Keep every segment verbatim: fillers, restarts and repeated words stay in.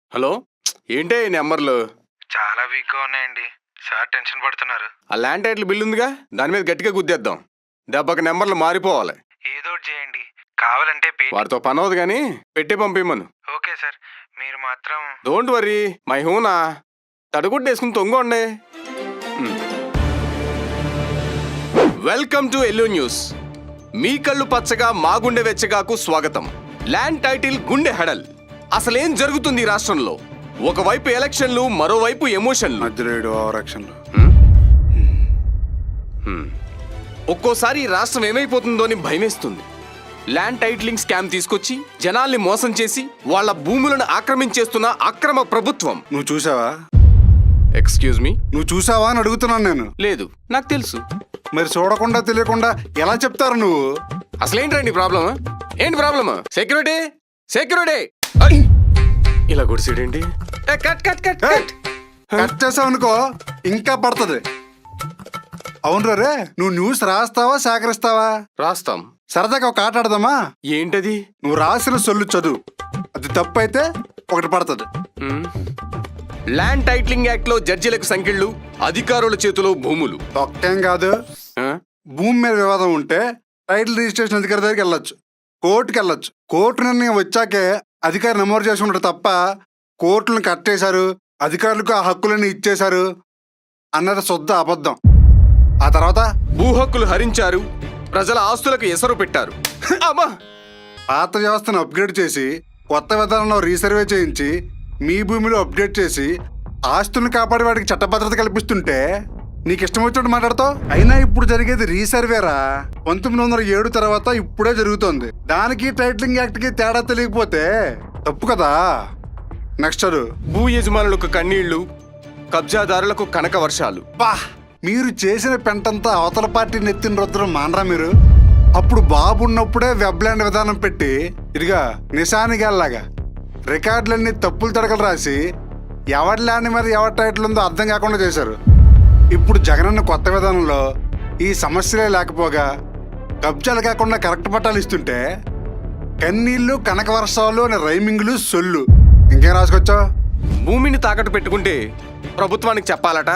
Hello, ఏంటే ఈ నెంబర్లు? చాలా వీక్గా ఉన్నాయండి. సార్ టెన్షన్ పడుతున్నారు. ఆ ల్యాండ్ టైటిల్ బిల్ ఉందిగా, దాని మీద గట్టిగా గుద్దేద్దాం. దెబ్బకి నెంబర్లు మారిపోవాలి. ఏదో ఒకటి చేయండి. కావాలంటే పే. వారితో పని అవదు కానీ పెట్టి పంపిమ్మను. ఓకే సార్, మీరు మాత్రం డోంట్ వరీ, మై హూనా. తడుగుడ్డు వేసుకుని తొంగండి. Welcome to Yellow News. మీ కళ్ళు పచ్చగా మా గుండె వెచ్చగాకు స్వాగతం. ల్యాండ్ టైటిల్ గుండె హెడల్. అసలేం జరుగుతుంది ఈ రాష్ట్రంలో? ఒకవైపు ఎలక్షన్లు, మరోవైపు ఎమోషన్లు. ఒక్కోసారి ఈ రాష్ట్రం ఏమైపోతుందో అని భయమేస్తుంది. ల్యాండ్ టైటిలింగ్ స్కామ్ తీసుకొచ్చి జనాల్ని మోసం చేసి వాళ్ళ భూములను ఆక్రమించేస్తున్న అక్రమ ప్రభుత్వం. నువ్వు చూసావా? ఎక్స్క్యూజ్ మీ, నువ్వు చూసావా అని అడుగుతున్నాను నేను. లేదు, నాకు తెలుసు. మరి చూడకుండా తెలియకుండా ఎలా చెప్తారు నువ్వు? అసలేంటండి ప్రాబ్లమ్? ఏంటి ప్రాబ్లమ్? సెక్యూరిటీ సెక్యూరిటీ ఇలా గుడిసేడేంటి? Cut cut cut cut cut చేసావు అనుకో ఇంకా పడుతుంది. అవును రే, నువ్వు న్యూస్ రాస్తావా సేకరిస్తావా? రాస్తాం. సరదాగా ఒక ఆట ఆడదామా? ఏంటది? నువ్వు రాసిన సొల్లు చదువు, అది తప్పు అయితే ఒకటి పడుతుంది. ల్యాండ్ టైటిలింగ్ యాక్ట్ లో జడ్జిలకు సంఖ్యలు, అధికారుల చేతిలో భూములు. ఒక్కేం కాదు, ఆ? భూమి మీద వివాదం ఉంటే టైటిల్ రిజిస్ట్రేషన్ అధికారి దగ్గరికి వెళ్ళొచ్చు, కోర్టుకి వెళ్ళొచ్చు. కోర్టు నిర్ణయం వచ్చాకే అధికారి నమోదు చేసుకుంటారు తప్ప కోర్టులను కట్టేశారు, అధికారులకు ఆ హక్కులను ఇచ్చేశారు అన్నది శుద్ధ అబద్ధం. ఆ తర్వాత భూ హక్కులు హరించారు, ప్రజల ఆస్తులకు ఎసరు పెట్టారు. అమ్మా! పాత వ్యవస్థను అప్గ్రేడ్ చేసి కొత్త విధానంలో రీసర్వే చేయించి మీ భూమిలో అప్డేట్ చేసి ఆస్తులను కాపాడే వాడికి చట్టభద్రత కల్పిస్తుంటే నీకు ఇష్టం వచ్చినట్టు మాట్లాడతావు. అయినా ఇప్పుడు జరిగేది రీసర్వేరా. పంతొమ్మిది వందల ఏడు తర్వాత ఇప్పుడే జరుగుతోంది. దానికి టైటిలింగ్ యాక్ట్ కి తేడా తెలియకపోతే తప్పు కదా. నెక్స్ట్ చదువు. భూ యజమానులకు కన్నీళ్లు, కబ్జాదారులకు కనక వర్షాలు. బా, మీరు చేసిన పెంటంతా అవతల పార్టీ నెత్తిన రుద్రం మానరా మీరు? అప్పుడు బాబు ఉన్నప్పుడే వెబ్లాండ్ విధానం పెట్టి ఇదిగా నిశానిగాల్లాగా రికార్డులన్నీ తప్పులు తడకలు రాసి ఎవరి ల్యాండ్ మీద ఎవరి టైటిల్ ఉందో అర్థం కాకుండా చేశారు. ఇప్పుడు జగనన్న కొత్త విధానంలో ఈ సమస్యలే లేకపోగా కబ్జాలు కాకుండా కరెక్ట్ పట్టాలు ఇస్తుంటే కన్నీళ్లు, కనక వర్షాలు అనే రైమింగ్లు, సొల్లు ఇంకేం రాసుకొచ్చావు? భూమిని తాకట్టు పెట్టుకుంటే ప్రభుత్వానికి చెప్పాలట,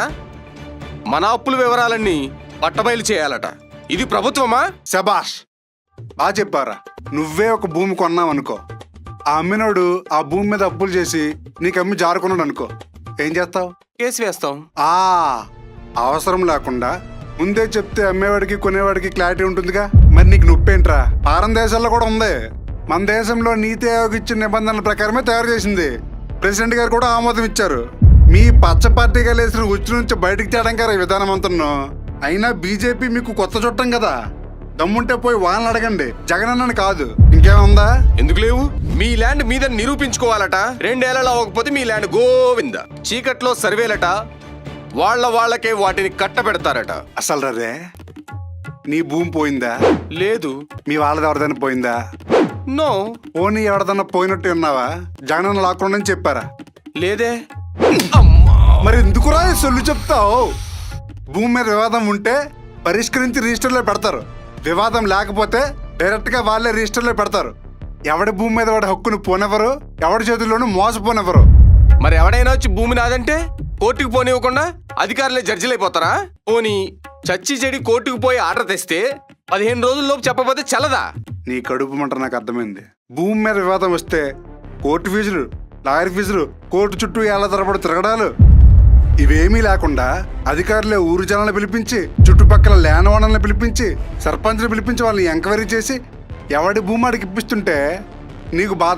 మన అప్పుల వివరాలన్నీ పట్టబయలు చేయాలట. ఇది ప్రభుత్వమా? శబాష్, బాగా చెప్పారా. నువ్వే ఒక భూమి కొన్నావనుకో, ఆ అమ్మినోడు ఆ భూమి మీద అప్పులు చేసి నీకు అమ్మి జారుకున్నాడు అనుకో, ఏం చేస్తావు? కేసు వేస్తాం. ఆ అవసరం లేకుండా ముందే చెప్తే అమ్మేవాడికి కొనేవాడికి క్లారిటీ ఉంటుందిగా. మరి నీకు నొప్పేంట్రా? పారం దేశాల్లో కూడా ఉంది. మన దేశంలో నీతి ఆయోగ్ ఇచ్చిన నిబంధనల ప్రకారమే తయారు చేసింది. ప్రెసిడెంట్ గారు కూడా ఆమోదం ఇచ్చారు. మీ పచ్చ పార్టీగా లేసిన ఉచ్చు నుంచి బయటికి తేడం గారు ఈ విధానం అంతను. అయినా బీజేపీ మీకు కొత్త చుట్టం కదా, దమ్ముంటే పోయి వాళ్ళని అడగండి, జగనన్నని కాదు. ఇంకేముందా? ఎందుకు లేవు? మీ ల్యాండ్ మీద నిరూపించుకోవాలట. రెండేళ్లలో అవ్వకపోతే మీ ల్యాండ్ గోవింద. చీకట్లో సర్వేలట, వాళ్ళ వాళ్ళకే వాటిని కట్టబెడతారట. అసలు రే, నీ భూమి పోయిందా? లేదు. మీ వాళ్ళది ఎవరిదైనా పోయిందా? నో. పోనీ ఎవరిదన్నా పోయినట్టు ఉన్నావా? జగనన్న లాక్కుండా చెప్పారా? లేదే. మరి ఎందుకురా ఈ సొల్లు చెప్తావు? భూమి మీద వివాదం ఉంటే పరిష్కరించి రిజిస్టర్లో పెడతారు, వివాదం లేకపోతే డైరెక్ట్ గా వాళ్ళే రిజిస్టర్లో పెడతారు. ఎవడి భూమి మీద వాడి హక్కును పోనెవరు, ఎవడి చేతుల్లోనూ మోసపోనెవరు. మరి ఎవడైనా వచ్చి భూమి నాదంటే కోర్టుకు పోనివ్వకుండా అధికారులే జడ్జిలైపోతారా? పోనీ చచ్చి చెడి కోర్టుకు పోయి ఆర్డర్ తెస్తే పదిహేను రోజుల్లోపు చెప్పబోతే చల్లదా? నీ కడుపు మంట నాకు అర్థమైంది. భూమి మీద వివాదం వస్తే కోర్టు ఫీజులు, లాయర్ ఫీజులు, కోర్టు చుట్టూ ఏళ్ల తరబడి తిరగడాలు, ఇవేమీ లేకుండా అధికారులే ఊరు జనాలను పిలిపించి, చుట్టుపక్కల ల్యాండ్ ఓనర్లను పిలిపించి, సర్పంచ్ని పిలిపించి వాళ్ళని ఎంక్వైరీ చేసి ఎవడి భూమి అడిగి ఇప్పిస్తుంటే నీకు బాధ.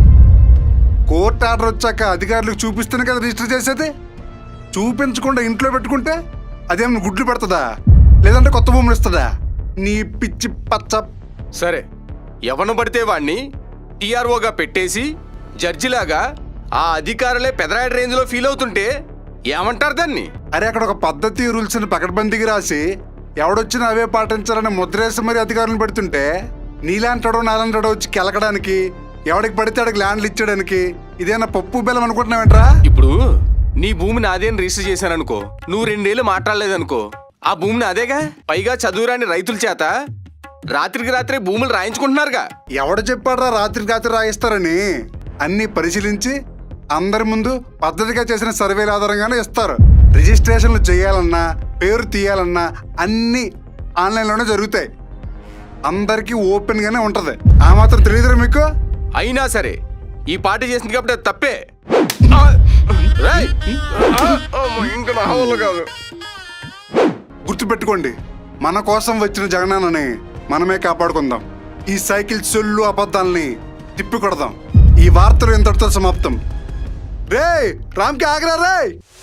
కోర్టు ఆర్డర్ వచ్చాక అధికారులకు చూపిస్తేనే కదా రిజిస్టర్ చేసేది. చూపించకుండా ఇంట్లో పెట్టుకుంటే అదేమన్నా గుడ్లు పెడుతుందా, లేదంటే కొత్త భూములు ఇస్తుందా? నీ పిచ్చి పచ్చ. సరే, ఎవను పడితే వాణ్ణి టీఆర్ఓగా పెట్టేసి జడ్జిలాగా ఆ అధికారులే పెదరాయడ రేంజ్ లో ఫీల్ అవుతుంటే ఏమంటారు దాన్ని? అరే, అక్కడ ఒక పద్ధతి రూల్స్ ని పకడ్బందీకి రాసి ఎవడొచ్చినా అవే పాటించాలని ముద్రేసి మరి అధికారులను పెడుతుంటే నీలాంటాడో నాలంటాడో వచ్చి కెలకడానికి, ఎవడికి పడితే అడికి ల్యాండ్లు ఇచ్చేయడానికి ఇదేనా పప్పు బెల్లం అనుకుంటున్నావేంట్రా? ఇప్పుడు నీ భూమిని అదేని రిజిస్టర్ చేశాననుకో, నువ్వు రెండేళ్ళు మాట్లాడలేదనుకో, ఆ భూమిని అదేగా. పైగా చదువురాని రైతుల చేత రాత్రికి రాత్రే భూములు రాయించుకుంటున్నారుగా. ఎవడు చెప్పాడ్రా రాత్రికి రాత్రి రాయిస్తారని? అన్ని పరిశీలించి అందరి ముందు పద్ధతిగా చేసిన సర్వేల ఆధారంగానే ఇస్తారు. రిజిస్ట్రేషన్లు చేయాలన్నా పేరు తీయాలన్నా అన్నీ ఆన్లైన్లోనే జరుగుతాయి. అందరికీ ఓపెన్గానే ఉంటుంది. ఆ మాత్రం తెలియదురా మీకు? అయినా సరే ఈ పార్టీ చేసింది కాబట్టి అది తప్పే. ఆ! రేయ్! ఆ! అమ్మో, ఇంకా నా వల్ల కాదు. గుర్తుపెట్టుకోండి, మన కోసం వచ్చిన జగనన్నని మనమే కాపాడుకుందాం. ఈ సైకిల్ సొల్లు అబద్ధాలని తిప్పి కొడదాం. ఈ వార్తలు ఇంతటితో సమాప్తం. రే రామ్కి ఆగరా రే.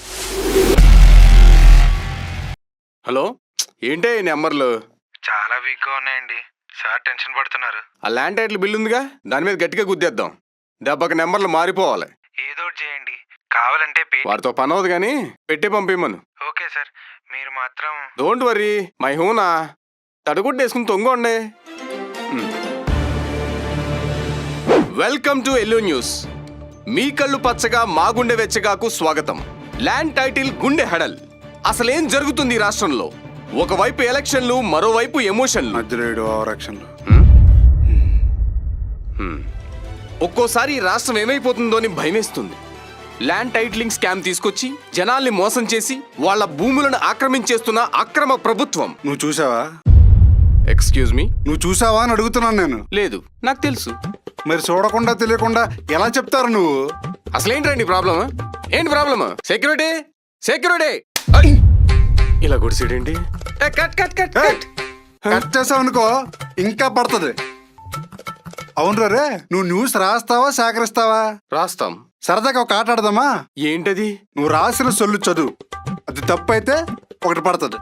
హలో, ఏంటే ఈ నెంబర్లు? చాలా వీక్గా ఉన్నాయండి. సార్ టెన్షన్ పడుతున్నారు. ఆ ల్యాండ్ టైటిల్ బిల్ ఉందిగా, దాని మీద గట్టిగా గుద్దేద్దాం. దెబ్బకి నెంబర్లు మారిపోవాలి. ఏదో ఒకటి చేయండి. కావాలంటే పే. వారితో పని అవదు కానీ పెట్టి పంపిమ్మను. ఓకే సార్, మీరు మాత్రం డోంట్ వరీ మై హూనా. తడుగుడ్డ వేసుకుని తొంగండి. Welcome to Yellow News. మీ కళ్ళు పచ్చగా మా గుండె వెచ్చగాకు స్వాగతం. ల్యాండ్ టైటిల్ గుండె హెడల్. అసలేం జరుగుతుంది ఈ రాష్ట్రంలో? ఒకవైపు ఎలక్షన్లు, మరోవైపు ఎమోషన్లు. మధ్యలో ఆరక్షన్లు. ఒక్కోసారి ఈ రాష్ట్రం ఏమైపోతుందో అని భయమేస్తుంది. ల్యాండ్ టైటిలింగ్ స్కామ్ తీసుకొచ్చి జనాల్ని మోసం చేసి వాళ్ళ భూములను ఆక్రమించేస్తున్న అక్రమ ప్రభుత్వం. నువ్వు చూసావా? ఎక్స్క్యూజ్ మీ, నువ్వు చూసావా అని అడుగుతున్నాను నేను. లేదు, నాకు తెలుసు. మరి చూడకుండా తెలియకుండా ఎలా చెప్తారు నువ్వు? అసలేంటండి ప్రాబ్లమ్? ఏంటి ప్రాబ్లమ్? సెక్యూరిటీ సెక్యూరిటీ ఇలా గుడిసేడేంటి? ఏ, cut cut cut cut. Cut చేసావు అనుకో ఇంకా పడుతుంది. అవును రే, నువ్వు న్యూస్ రాస్తావా సేకరిస్తావా? రాస్తాం. సరదాగా ఒక ఆట ఆడదామా? ఏంటది? నువ్వు రాసిన సొల్లు చదువు, అది తప్పు అయితే ఒకటి పడుతుంది.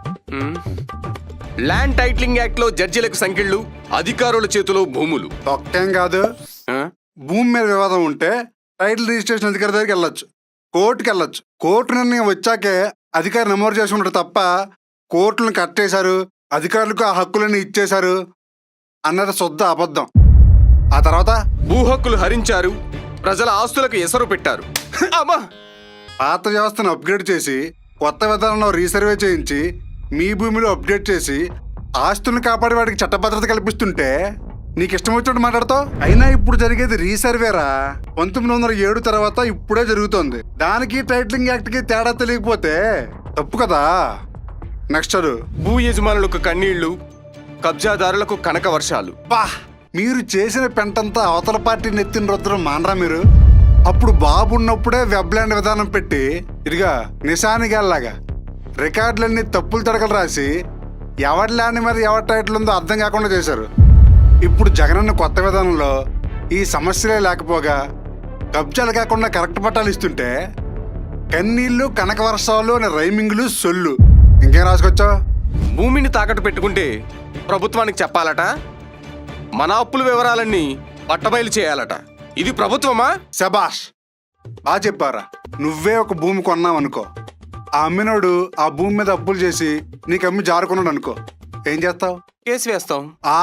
ల్యాండ్ టైటిలింగ్ యాక్ట్ లో జడ్జిలకు సంఖ్యలు, అధికారుల చేతిలో భూములు. ఒక్కేం కాదు, ఆ? భూమి మీద వివాదం ఉంటే టైటిల్ రిజిస్ట్రేషన్ అధికారి దగ్గరికి వెళ్ళొచ్చు, కోర్టుకి వెళ్ళొచ్చు. కోర్టు నిర్ణయం వచ్చాకే అధికారి నమోదు చేసుకుంటారు తప్ప కోర్టులను కట్టేశారు, అధికారులకు ఆ హక్కులను ఇచ్చేశారు అన్నది శుద్ధ అబద్ధం. ఆ తర్వాత భూ హక్కులు హరించారు, ప్రజల ఆస్తులకు ఎసరు పెట్టారు. అమ్మా! పాత వ్యవస్థను అప్గ్రేడ్ చేసి కొత్త విధానంలో రీసర్వే చేయించి మీ భూమిలో అప్డేట్ చేసి ఆస్తులను కాపాడే వాడికి చట్టభద్రత కల్పిస్తుంటే నీకు ఇష్టం వచ్చినట్టు మాట్లాడతావు. అయినా ఇప్పుడు జరిగేది రీసర్వేరా. పంతొమ్మిది వందల ఏడు తర్వాత ఇప్పుడే జరుగుతోంది. దానికి టైటిలింగ్ యాక్ట్ కి తేడా తెలియకపోతే తప్పు కదా. నెక్స్ట్ చదువు. భూ యజమానులకు కన్నీళ్లు, కబ్జాదారులకు కనక వర్షాలు. బా, మీరు చేసిన పెంటంతా అవతల పార్టీ నెత్తిన రుద్రం మానరా మీరు? అప్పుడు బాబు ఉన్నప్పుడే వెబ్లాండ్ విధానం పెట్టి ఇదిగా నిశానిగాల్లాగా రికార్డులన్నీ తప్పులు తడకలు రాసి ఎవరి ల్యాండ్ మీద ఎవరి టైటిల్ ఉందో అర్థం కాకుండా చేశారు. ఇప్పుడు జగనన్న కొత్త విధానంలో ఈ సమస్యలే లేకపోగా కబ్జాలు కాకుండా కరెక్ట్ పట్టాలు ఇస్తుంటే కన్నీళ్ళు కనక వర్షాలు అనే రైమింగ్లు సొల్లు ఇంకేం రాసుకొచ్చావు? భూమిని తాకట్టు పెట్టుకుంటే ప్రభుత్వానికి చెప్పాలట, మన అప్పుల వివరాలన్నీ పట్టబయలు చేయాలట. ఇది ప్రభుత్వమా? శబాష్, బాగా చెప్పారా. నువ్వే ఒక భూమి కొన్నావు అనుకో, ఆ అమ్మినోడు ఆ భూమి మీద అప్పులు చేసి నీకు అమ్మి జారుకున్నాడు అనుకో, ఏం చేస్తావు? కేసు వేస్తాం. ఆ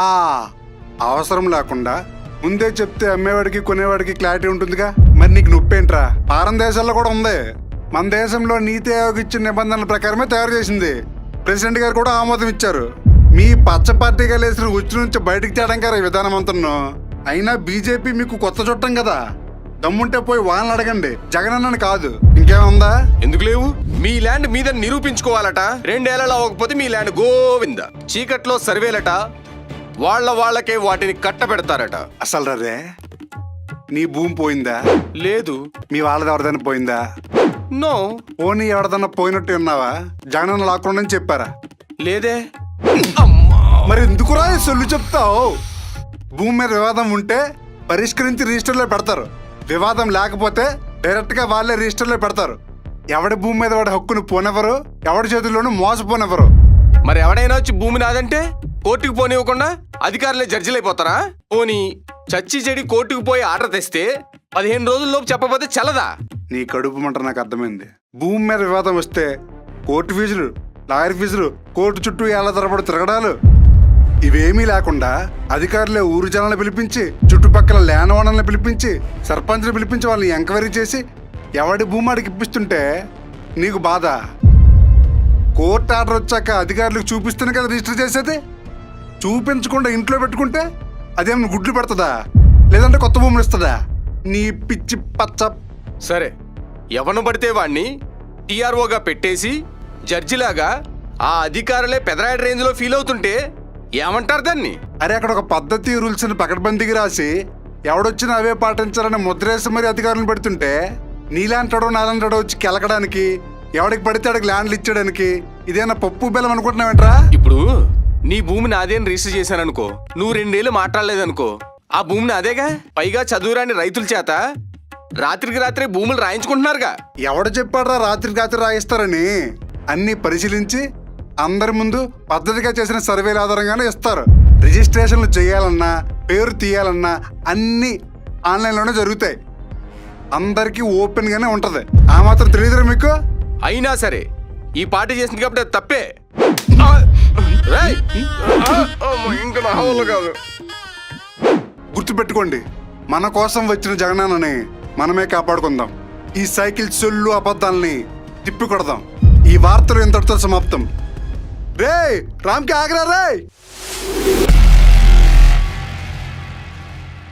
అవసరం లేకుండా ముందే చెప్తే అమ్మేవాడికి కొనేవాడికి క్లారిటీ ఉంటుందిగా. మరి నీకు నొప్పేంట్రా? పారం దేశాల్లో కూడా ఉంది. మన దేశంలో నీతి ఆయోగ్ ఇచ్చిన నిబంధనల ప్రకారమే తయారు చేసింది. ప్రెసిడెంట్ గారు కూడా ఆమోదం ఇచ్చారు. మీ పచ్చ పార్టీగా లేసిన ఉచ్చు నుంచి బయటికి తేడం గారు ఈ విధానం అంటున్నాను. అయినా బీజేపీ మీకు కొత్త చుట్టం కదా, దమ్ముంటే పోయి వాళ్ళని అడగండి, జగనన్నని కాదు. ఇంకేముందా? ఎందుకు లేవు? మీ ల్యాండ్ మీద నిరూపించుకోవాలట. రెండేళ్లలో అవ్వకపోతే మీ ల్యాండ్ గోవింద. చీకట్లో సర్వేలట, వాళ్ళ వాళ్ళకే వాటిని కట్టబెడతారట. అసలు రే, నీ భూమి పోయిందా? లేదు. మీ వాళ్ళది ఎవరిదైనా పోయిందా? నో. పోనీ ఎవరిదన్నా పోయినట్టు ఉన్నావా? జగనన్న లాక్కుండా చెప్పారా? లేదే. మరి ఎందుకురా ఈ సొల్లు చెప్తావు? భూమి మీద వివాదం ఉంటే పరిష్కరించి రిజిస్టర్లో పెడతారు, వివాదం లేకపోతే డైరెక్ట్ గా వాళ్ళే రిజిస్టర్లో పెడతారు. ఎవడి భూమి మీద వాడి హక్కును పోనెవరు, ఎవడి చేతుల్లోనూ మోసపోనెవరు. మరి ఎవడైనా వచ్చి భూమి నాదంటే కోర్టుకు పోనివ్వకుండా అధికారులే జడ్జిలైపోతారా? పోనీ చచ్చి చెడి కోర్టుకు పోయి ఆర్డర్ తెస్తే పదిహేను రోజుల్లోపు చెప్పబోతే చల్లదా? నీ కడుపు మంట నాకు అర్థమైంది. భూమి మీద వివాదం వస్తే కోర్టు ఫీజులు, లాయర్ ఫీజులు, కోర్టు చుట్టూ ఏళ్ల తరబడి తిరగడాలు, ఇవేమీ లేకుండా అధికారులే ఊరు జనాలను పిలిపించి, చుట్టుపక్కల ల్యాండ్ ఓనర్లను పిలిపించి, సర్పంచ్ని పిలిపించి వాళ్ళని ఎంక్వైరీ చేసి ఎవడి భూమి ఆడికి ఇప్పిస్తుంటే నీకు బాధ. కోర్టు ఆర్డర్ వచ్చాక అధికారులకు చూపిస్తేనే కదా రిజిస్టర్ చేసేది. చూపించకుండా ఇంట్లో పెట్టుకుంటే అదేమన్నా గుడ్లు పెడుతుందా, లేదంటే కొత్త భూములు ఇస్తుందా? నీ పిచ్చి పచ్చ సరే, ఎవను పడితే వాణ్ణి టీఆర్ఓగా పెట్టేసి జడ్జిలాగా ఆ అధికారులే పెదరాయడ రేంజ్లో ఫీల్ అవుతుంటే ఏమంటారు దాన్ని? అరే అక్కడ ఒక పద్ధతి రూల్స్ ని పకడ్బందీకి రాసి ఎవడొచ్చినా అవే పాటించాలని ముద్రేసి మరి అధికారులను పెడుతుంటే నీలాంటాడో నాలంటాడో వచ్చి కెలకడానికి, ఎవడికి పడితే అడికి ల్యాండ్లు ఇచ్చడానికి ఇదేనా పప్పు బెల్లం అనుకుంటున్నావేంట్రా? ఇప్పుడు నీ భూమిని అదేని రిజిస్టర్ చేశాననుకో, నువ్వు రెండేళ్ళు మాట్లాడలేదనుకో, ఆ భూమిని అదేగా. పైగా చదువురాని రైతుల చేత రాత్రికి రాత్రే భూములు రాయించుకుంటున్నారుగా. ఎవడు చెప్పాడ్రా రాత్రికి రాత్రి రాయిస్తారని? అన్ని పరిశీలించి అందరి ముందు పద్ధతిగా చేసిన సర్వేల ఆధారంగానే ఇస్తారు. రిజిస్ట్రేషన్లు చేయాలన్నా పేరు తీయాలన్నా అన్ని ఆన్లైన్లోనే జరుగుతాయి. అందరికీ ఓపెన్ గానే ఉంటది. ఆ మాత్రం తెలియదురా మీకు? అయినా సరే ఈ పార్టీ చేసింది కాబట్టి అది తప్పే. ఆ! రేయ్! ఆ! అమ్మో, ఇంకా నా వల్ల కాదు. గుర్తుపెట్టుకోండి, మన కోసం వచ్చిన జగనాన్నని మనమే కాపాడుకుందాం. ఈ సైకిల్ సొల్లు అబద్ధాలని తిప్పి కొడదాం. ఈ వార్తలు ఇంతటితో సమాప్తం. రే రామ్కి ఆగరా రే.